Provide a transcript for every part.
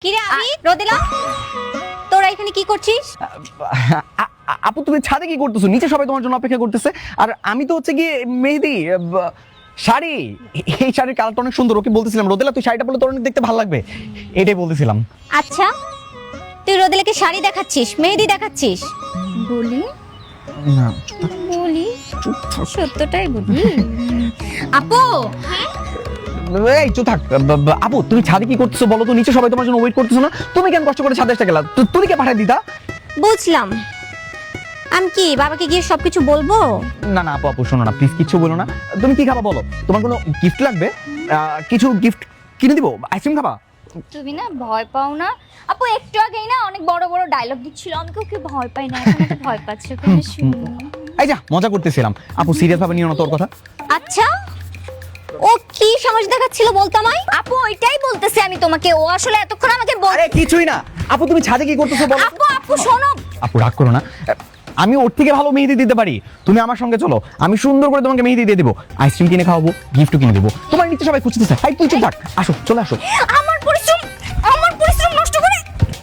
কিরে আমি রোদেলা, তোরা এখানে কি করছিস? আপু তুমি ছাদে কি করতেছো? নিচে সবাই তোমার জন্য অপেক্ষা করতেছে। আর আমি তো হচ্ছে গিয়ে মেহেদি শাড়ি, এই শাড়ির কালারটা অনেক সুন্দর। ওকে বলতেছিলাম রোদেলা তুই শাড়িটা পরলে তোর অনেক দেখতে ভালো লাগবে, এটাই বলতেছিলাম। আচ্ছা, তুই রোদেলাকে শাড়ি দেখাচ্ছিস, মেহেদি দেখাচ্ছিস? বলি না বলি সত্যটাই বলি। আপু এই চুপ থাক। আপু তুমি ছাদে কি করতেছো বলো তো? নিচে সবাই তোমার জন্য ওয়েট করতেছো না? তুমি কেন কষ্ট করে ছাদে এসে গেলা? তুমি কে পাঠাই দিতা? বুঝলাম, আমি কি বাবাকে গিয়ে সবকিছু বলবো? না না আপু, আপু শোনো না প্লিজ, কিচ্ছু বলো না। তুমি কি খাবা বলো? তোমার কোনো গিফট লাগবে? কিছু গিফট কিনে দিব। আইসক্রিম খাবা? তুমি না ভয় পাও না আপু? একটু আগেই না অনেক বড় বড় ডায়লগ দিচ্ছিল, আমি ওকে ভয় পাই না, এখন তো ভয় পাচ্ছে। ওকে শুনো। এই যা মজা করতেছিলাম। আপু সিরিয়াস ভাবে নিও না তোর কথা। আচ্ছা, ও কি সাহস দেখাচ্ছিল বলতো আমায়? আপু ওইটাই বলতেছি আমি তোমাকে, ও আসলে এতক্ষণ আমাকে আরে কিছুই না আপু, তুমি ছাদে কি করতেছো বলো? আপু আপু শোনো। আপু রাগ করো না, আমি ওর থেকে ভালো মেহেদি দিতে পারি। তুমি আমার সঙ্গে চলো, আমি সুন্দর করে তোমাকে মেহেদি দিয়ে দেবো, আইসক্রিম কিনে খাওয়াবো, গিফটও কিনে দেবো। তোমার নিচে সবাই খুঁজতেছে। হাই তুই চুপ থাক, আসো চলে আসো। আমার পরিশ্রম নষ্ট করে।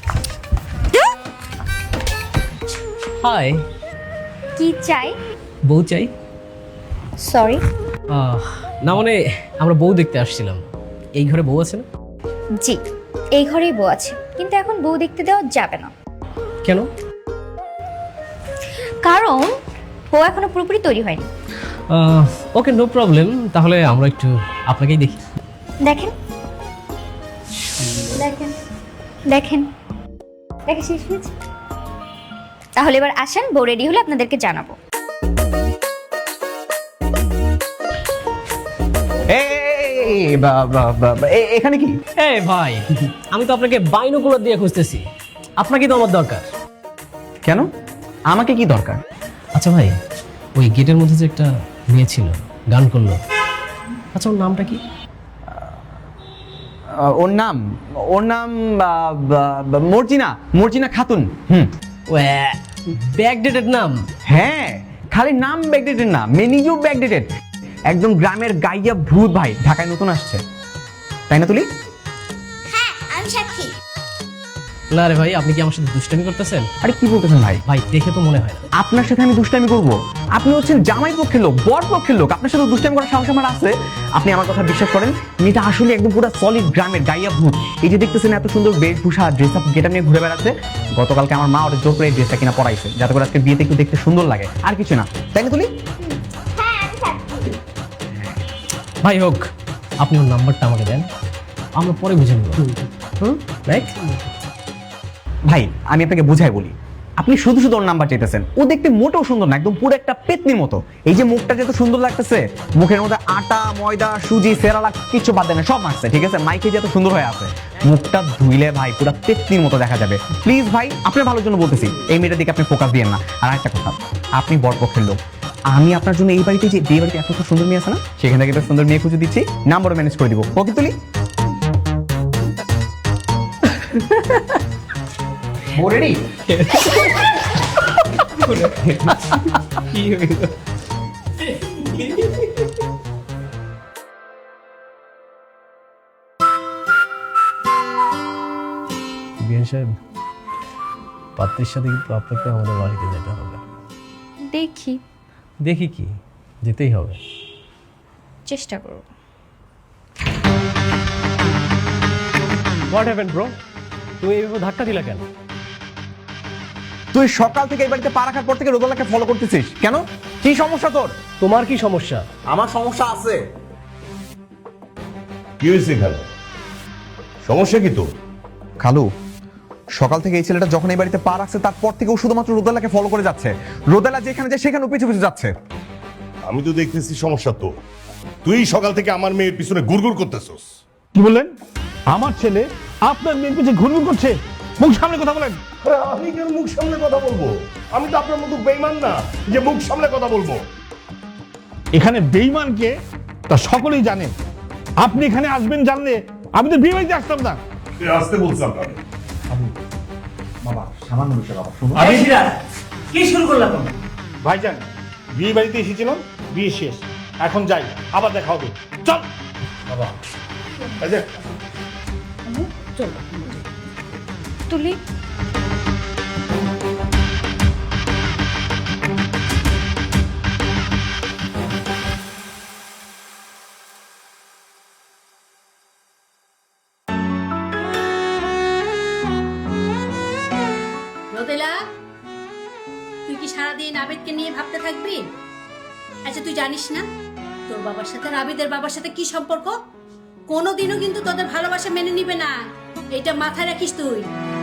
হাই, কি চাই? বউ চাই। সরি। না মানে আমরা বউ দেখতে আসছিলাম। এই ঘরে বউ আছে না? জি, এই ঘরেই বউ আছে, কিন্তু এখন বউ দেখতে দেওয়া যাবে না। কেন? কারণ বউ এখনো পুরোপুরি তৈরি হয়নি। ওকে নো প্রবলেম, তাহলে আমরা একটু আপনাকেই দেখি। দেখেন দেখেন দেখেন, দেখে শেষ হয়েছে। তাহলে এবার আসেন, বউ রেডি হলে আপনাদেরকে জানাবো। এখানে কি? এই ভাই, আমি তো আপনাকে বাইনোকুলার দিয়ে খুঁজতেছি, আপনাকে তো আমার দরকার। কেন আমাকে কি দরকার? আচ্ছা ভাই, ওই গেটের মধ্যে যে একটা মেয়ে ছিল, গান করলো, আচ্ছা ওর নামটা কি? ওর নাম মর্জিনা, মর্জিনা খাতুন। ব্যাকডেটেড নাম। হ্যাঁ, খালি নাম ব্যাকডেটেড না, মেয়ে নিজেও ব্যাকডেটেড। একদম গ্রামের গাইয়া ভূত ভাই, ঢাকায় নতুন আসছে, তাই না তুলি? হ্যাঁ, আমি সাক্ষী। না রে ভাই, আপনি কি আমার সাথে দুষ্টামি করতেছেন? আরে কি বলতেছেন ভাই? ভাই দেখে তো মনে হয় না। আপনার সাথে আমি দুষ্টামি করব? আপনি হচ্ছেন জামাই পক্ষের লোক, বর পক্ষের লোক, আপনার সাথে দুষ্টামি করার সাহস আমার আছে? আপনি আমার কথা বিশ্বাস করেন, মেয়েটা আসলে একদম পুরো সলিড গ্রামের গাইয়া ভূত। এই যে দেখতেছেন এত সুন্দর বেশভূষা, ড্রেস আপ গেটআপ নিয়ে ঘুরে বেড়াচ্ছে। গতকালকে আমার মা ওর জোর করে এই ড্রেসটা কিনা পরাইছে, যাতে করে আজকে বিয়েতে একটু দেখতে সুন্দর লাগে, আর কিছু না, তাই না তুলি? ভাই হোক, আপনি ওর নাম্বারটা আমাকে দেন, আমরা পরে বুঝে নেব। রাইট ভাই আমি আপনাকে বুঝাই বলি, আপনি শুধু শুধু ওর নাম্বার চাইতেছেন। ও দেখতে মোটেও সুন্দর না, একদম পুরো একটা পেতনির মতো। এই যে মুখটা যত সুন্দর লাগতেছে, মুখের মধ্যে আটা ময়দা সুজি সেরালাক কিছু বাদ দেয় না, সব মাখছে, ঠিক আছে? মাইকে যত সুন্দর হয়ে আছে, মুখটা ধুইলে ভাই পুরো পেতনির মতো দেখা যাবে। প্লিজ ভাই, আপনার ভালোর জন্য বলতেছি, এই মেয়েটার দিকে আপনি ফোকাস দিয়েন না। আর একটা কথা, আপনি বরপক্ষের লোক, আমি আপনার জন্য এই বাড়িতে যে বিয়ে বাড়িতে এত সুন্দর মেয়ে আছে না, সেখান থেকে একটা সুন্দর মেয়ে খুঁজে দিচ্ছি, নাম্বারও ম্যানেজ করে দিব। ওকে তুলি? রেডি? বিয়ান সাহেব, পাত্রীর সাথে কিন্তু আপনাকে আমাদের বাড়িতে যেতে হবে। দেখি, দেখি কি, যেতেই হবে। চেষ্টা করব। What happened bro? তুই এইভাবে ধাক্কা দিলা কেন? তুই সকাল থেকে এই বাড়িতে পা রাখার পর থেকে রোদেলাকে ফলো করতেছিস কেন? কি সমস্যা তোর? তোমার কি সমস্যা? আমার সমস্যা আছে। কি হয়েছে খালু? সমস্যা কি তোর? খালু, সকাল থেকে এই ছেলেটা যখন এই বাড়িতে পা রাখছে তারপর থেকে ও শুধুমাত্র রোদেলাকে ফলো করে যাচ্ছে। রোদেলা যেখানে যায় সেখানে পিছু পিছু যাচ্ছে। আমি তো দেখতেছি সমস্যা তো। তুই সকাল থেকে আমার মেয়ের পিছনে গুড়গুড় করতেছস। কি বললেন? আমার ছেলে আপনার মেয়ের পিছনে ঘুরঘুর করছে? মুখ সামনে কথা বলেন। আমি কেন মুখ সামনে কথা বলবো? আমি তো আপনার মতো বেঈমান না যে মুখ সামনে কথা বলবো। এখানে বেঈমানকে তা সকলেই জানে। আপনি এখানে আসবেন জানলে আমি তো বিয়ে বাড়িতে আসতাম না। আসতে বলছিলাম না। বাবা সামান্য বিষয় বাবা, শুনুন। কি শুরু করলাম? ভাইজান, বিয়ে বাড়িতে এসেছিলাম, বিয়ে শেষ, এখন যাই, আবার দেখা হবে। চল এই যে, তুলি। রোদেলা, তুই কি সারাদিন আবেদকে নিয়ে ভাবতে থাকবি? আচ্ছা, তুই জানিস না তোর বাবার সাথে আবেদের বাবার সাথে কি সম্পর্ক? কোনোদিনও কিন্তু তোদের ভালোবাসা মেনে নিবে না, এটা মাথায় রাখিস তুই।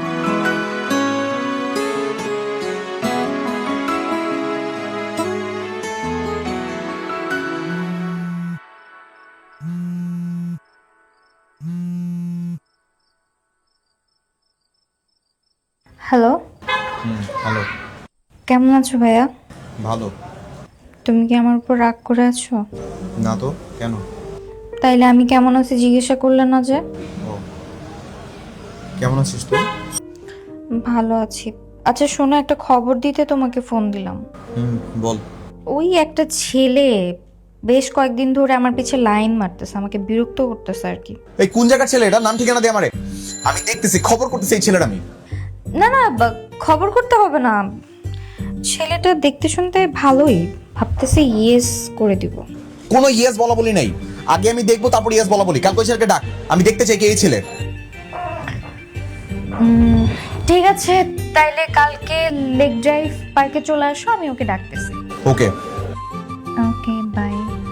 হ্যালো, হ্যালো, কেমন আছো ভাইয়া? ভালো। তুমি কি আমার উপর রাগ করে আছো? না তো, কেন? তাইলে আমি কেমন আছি জিজ্ঞাসা করলে না যে? কেমন আছিস তুই? ভালো আছি। আচ্ছা শোনো, একটা খবর দিতে তোমাকে ফোন দিলাম। বল। ওই একটা ছেলে বেশ কয়েকদিন ধরে আমার পিছে লাইন মারতেছে, আমাকে বিরক্ত করতেছে আর কি। এই কোন জায়গার ছেলে এটা? নাম ঠিকানা দে আমারে, আমি দেখতেছি, খবর করতেছি এই ছেলেটা। আমি না না, খবর করতে হবে না, ছেলেটা দেখতে শুনতে ভালোই, ভাবতেছি ইয়েস করে দিব। কোনো ইয়েস বলা বলি নাই, আগে আমি দেখবো তারপর ইয়েস বলা বলি। কালকে ওই ছেলেকে ডাক, আমি দেখতে চাই কে এই ছেলে। ঠিক আছে, তাইলে কালকে লেক ড্রাইভ পার্কে চলে আসো, আমি ওকে ডাকতেছি। ওকে। Okay, bye.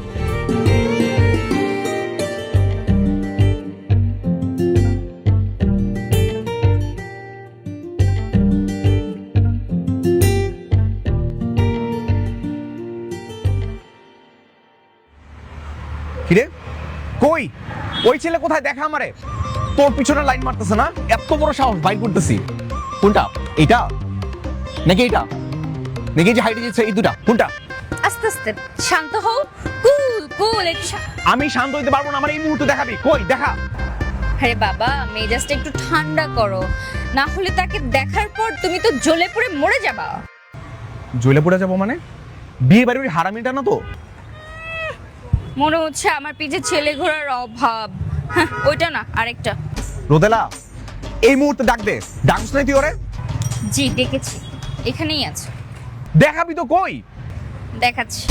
কিরে কই ওই ছেলে কোথায়? দেখা আমারে, তোর পিছনে লাইন মারতেছে না? এত বড় সাহস, বাইক করতেছি। কোনটা? এইটা নাকি এইটা নাকি যে হাইটে যাচ্ছে? এই দুটা কোনটা? আস্তে আস্তে, শান্ত হও, কুল কুল। আমি শান্ত হইতে পারবো না, আমার এই মুহূর্তে দেখাবি। কই দেখা? আরে বাবা, মেজাজটা একটু ঠান্ডা করো, না হলে তাকে দেখার পর তুমি তো জ্বলে পুড়ে মরে যাবা। জ্বলে পড়ে যাবো মানে? বিয়ে বাড়ির ওই হারামিটা না তো? মনে হচ্ছে আমার পিছে ছেলে ঘোড়ার অভাব। হ্যাঁ, ওইটা না, আরেকটা। রোদেলা, এই মুহূর্তে ডাক দে। ডাকছ নাই তুই ওরে? জি ডেকেছি, এখানেই আছে। দেখাবি তো? কই? দেখাচ্ছি।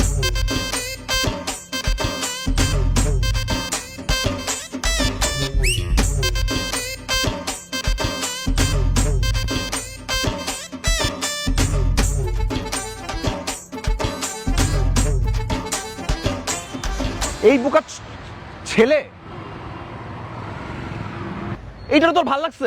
এই বোকা ছেলে, এইটা তোর ভাল লাগছে?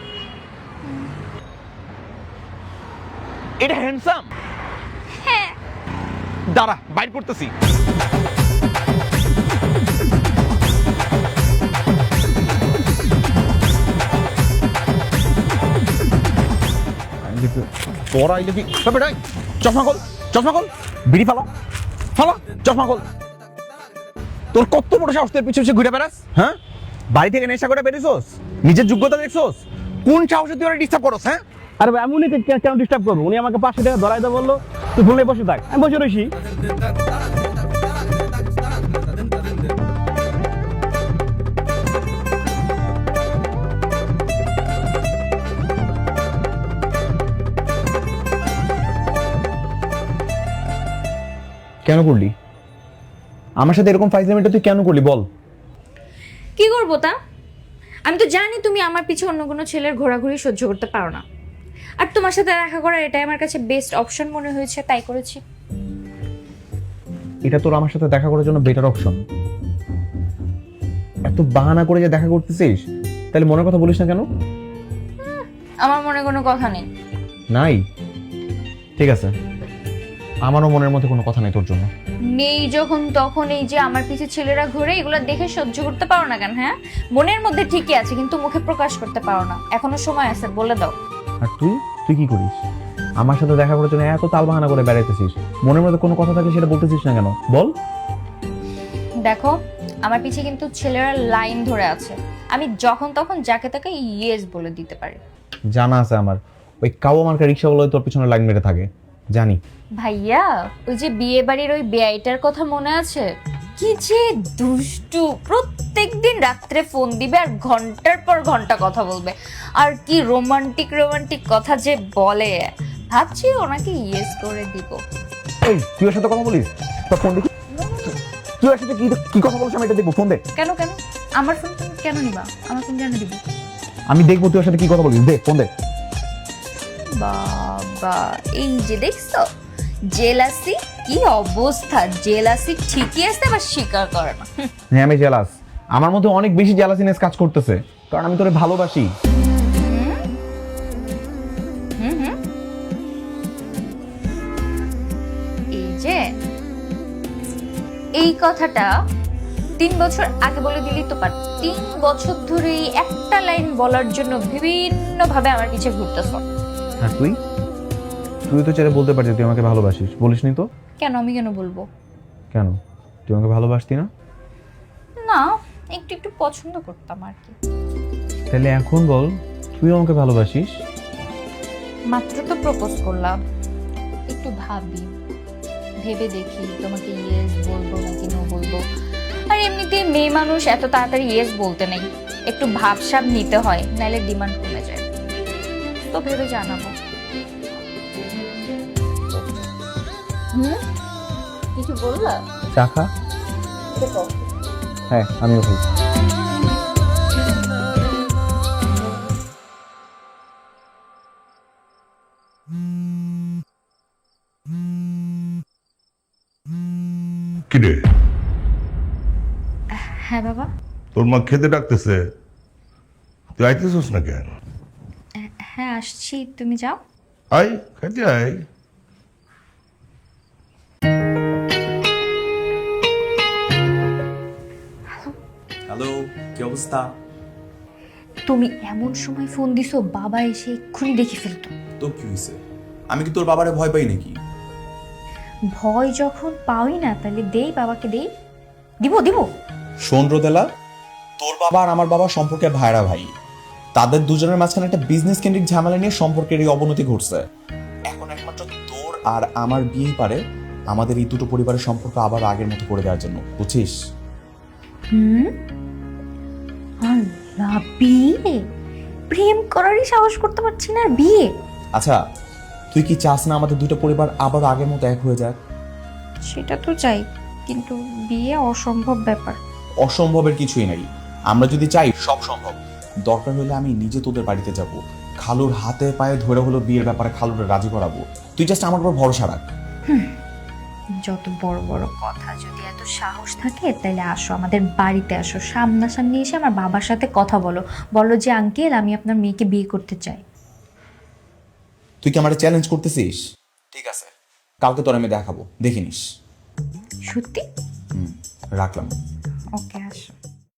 এটা হ্যান্ডসাম? হ্যাঁ। দাঁড়া, বাইর করতেছি। তোরা আইলে কি চশমা খোল, চশমা খোল, বিড়ি ফালা ফালা, চশমা খোল। তোর কত বড় সাহস, তোর পিছু পিছু ঘুরে বেড়াস? হ্যাঁ, বাড়ি থেকে নেশা করে বেরিয়েছোস? নিজের যোগ্যতা দেখছোস? কোন সাহসে তুই ওরা ডিস্টার্ব করস? হ্যাঁ, আরে ভাই, আমি উনিকে কেন ডিস্টার্ব করবো? উনি আমাকে 500 টাকা ধরাই দেয়, বললো তুই ফোনে বসে থাক, আমি বসে রয়েছি। কেন করলি আমার সাথে এরকম ফাইজলামিটা? তুই কেন করলি বল? কি করবো তা? আমি তো জানি তুমি আমার পিছে অন্য কোনো ছেলের ঘোরাঘুরি সহ্য করতে পারো না, আর তোমার সাথে দেখা করা এটাই আমার কাছে বেস্ট অপশন মনে হয়েছে, তাই করেছি। এটা তোর আমার সাথে দেখা করার জন্য বেটার অপশন। এত বাহানা করে যে দেখা করতেছিস, তাহলে মনের কথা বলিস না কেন? আমার মনে কোনো কথা নেই। নাই? ঠিক আছে, আমারও মনের মধ্যে কোনো কথা নেই তোর জন্য। নেই যখন তখন এই যে আমার পিছে ছেলেরা ঘুরে, এগুলো দেখে সহ্য করতে পারো না কেন? হ্যাঁ, মনের মধ্যে ঠিকই আছে কিন্তু মুখে প্রকাশ করতে পারো না, এখনো সময় আছে, বলে দাও। আর তুই তুই কি করিস? আমার সাথে দেখা করার জন্য এত তাল বাহানা করে বেড়াইতেছিস, মনের মধ্যে কোনো কথা থাকে সেটা বলতেছিস না কেন বল? দেখো, আমার পিছে কিন্তু ছেলেরা লাইন ধরে আছে, আমি যখন তখন যাকে তাকে ইয়েস বলে দিতে পারি। জানা আছে আমার, ওই কাওয়া মার্কা রিক্সাওয়ালা তোর পিছনে লাইন মেরে থাকে, জানি। ভাইয়া, ওই যে বিয়ে বাড়ির ওই বেআইটার কথা মনে আছে? কি যে দুষ্টু, প্রত্যেকদিন রাত্রে ফোন দিবে আর ঘন্টার পর ঘন্টা কথা বলবে, আর কি রোমান্টিক রোমান্টিক কথা যে বলে, ভাবছি ওনাকে ইয়েস করে দিব। এই তুই ওর সাথে কথা বলিস? তো ফোন দেখি। তুই ওর সাথে কি কথা বলিস আমি এটা দেখবো, ফোন দে। কেন কেন আমার ফোন তুমি কেন নিবা? আমার ফোন কেন দিব? আমি দেখবো তুই ওর সাথে কি কথা বলিস, দে ফোন দে। বাবা, এই যে দেখছো জেলাসি কি অবস্থা, জেলাসি ঠিকই আছে আবার স্বীকার করে না। হ্যাঁ আমি জেলাস, আমার মধ্যে অনেক বেশি জেলাসিনেস কাজ করতেছে, কারণ আমি তোরে ভালোবাসি। এই যে এই কথাটা 3 বছর আগে বলে দিলি তো পার। 3 বছর ধরে এই একটা লাইন বলার জন্য বিভিন্ন ভাবে আমার পিছে ঘুরতেছ। হ্যাঁ তুই তো চাইলে বলতে পারছিস তুই আমাকে ভালোবাসিস, বলিসনি তো? কেন আমি কেন বলবো? কেন তুই আমাকে ভালোবাসতি না? না, একটু একটু পছন্দ করতাম আর কি। তাহলে এখন বল তুই আমাকে ভালোবাসিস? মাত্র তো প্রপোজ করলাম, একটু ভাবি, ভেবে দেখি তোমাকে ইয়েস বলবো নাকি নো বলবো। আর এমনিতে মেয়ে মানুষ এত তাড়াতাড়ি ইয়েস বলতে নেই, একটু ভাবসাব নিতে হয়, নাহলে ডিমান্ড কমে যায়। তো ভেবে জানাবো। কিছু বললা? চা খা। হ্যাঁ আমিও খাই। কিরে, হ্যাঁ বাবা। তোর মা খেতে ডাকতেছে, তুই আইতেছিস না কেন? হ্যাঁ আসছি, তুমি যাও। আয় খাইতে আয়। হ্যালো, কি অবস্থা? তুমি এমন সময় ফোন দিছো, বাবা এসে এক্ষুনি দেখে ফেলতো। তো কি হয়েছে? আমি কি তোর বাবারে ভয় পাই নাকি? ভয় যখন পাওই না, তাহলে দেই বাবাকে, দেই দিব দিব। শোন রোদেলা, তোর বাবা আর আমার বাবা সম্পর্কে ভাইরা ভাই। তাদের দুজনের মাঝখানে একটা বিজনেস কেন্দ্রিক ঝামেলা নিয়ে সম্পর্কের এই অবনতি ঘটছে। এখন একমাত্র তোর আর আমার বিয়েই পারে আমাদের এই দুটো পরিবারের সম্পর্ক আবার আগের মতো করে দেওয়ার জন্য, বুঝছিস? আল্লাহ, বিয়ে? প্রেম করারই সাহস করতে পারছি না, আর বিয়ে? আচ্ছা, তুই কি চাস না আমাদের দুটো পরিবার আবার আগের মতো এক হয়ে যাক? সেটা তো চাই, কিন্তু বিয়ে অসম্ভব ব্যাপার। অসম্ভবের কিছুই নাই, আমরা যদি চাই সব সম্ভব। দরকার হলে আমি নিজে তোদের বাড়িতে যাব, খালুর হাতে পায়ে ধরে হলো বিয়ের ব্যাপারে খালুরে রাজি করাবো। তুই জাস্ট আমার উপর ভরসা রাখ। যত বড় বড় কথা, যদি এত সাহস থাকে তাহলে আসো, আমাদের বাড়িতে আসো, সামনাসামনি এসে আমার বাবার সাথে কথা বলো, বলো যে আঙ্কেল আমি আপনার মেয়েকে বিয়ে করতে চাই। তুই কি আমার চ্যালেঞ্জ করতেছিস? ঠিক আছে, কালকে তোর আমি দেখাবো, দেখে নিস। সত্যি? রাখলাম। ওকে, আসো।